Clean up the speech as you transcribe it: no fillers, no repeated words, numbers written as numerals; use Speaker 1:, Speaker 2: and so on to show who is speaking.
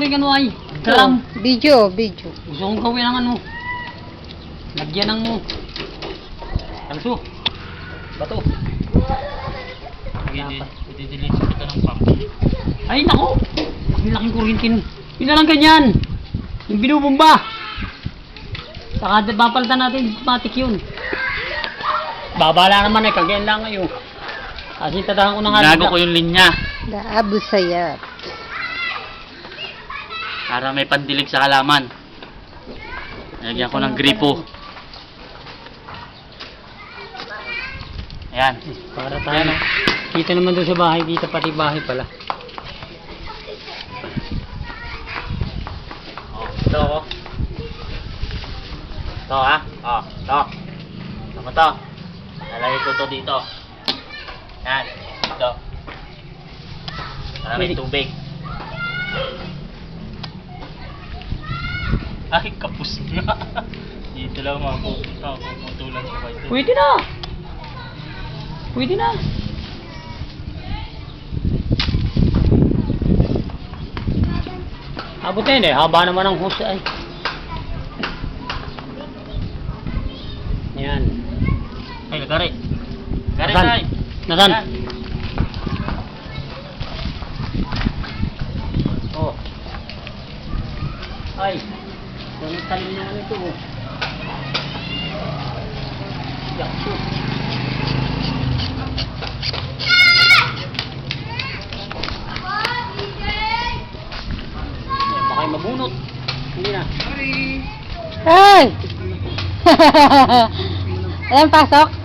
Speaker 1: rin ano ay. Kalam.
Speaker 2: Video.
Speaker 1: Gusto kong gawin ang ano. Lagyan ng kalso. Bato.
Speaker 3: I-delete ito ng pump.
Speaker 1: Ay nako. Ang laking kuryente. Yun na lang ganyan. Yung binubumba. Saka papalitan natin matik yun. Babala naman eh. Kagayan lang ngayon. Kasi tatahan ko na nga.
Speaker 3: Ginago ko yung linya.
Speaker 2: Daabo sayap.
Speaker 3: Para may pandilig sa halaman. Lagyan ko ng gripo. Ayan.
Speaker 1: Para tayo. Kita naman doon sa bahay. Kita pati bahay pala.
Speaker 3: Oh, ito oh. Ito ha. Oh, ito. Ito mo to. Lalagay ko to dito. Yan. Dito. Para may tubig. Ay, kapus nga. Dito lang maputulan ko kayo.
Speaker 1: Pwede na. Pwede na. Abot na yun eh. Haba naman ang hose ay. Yan.
Speaker 3: Ay, gari. Gari
Speaker 1: Nasaan?
Speaker 3: tayo.
Speaker 1: Nasaan?
Speaker 3: Yan.
Speaker 1: Oh. Ay. Ganun talim na ano ito oh. Yakso. Baka kayo mabunot. Hindi na.
Speaker 2: Ay! Ayan, pasok.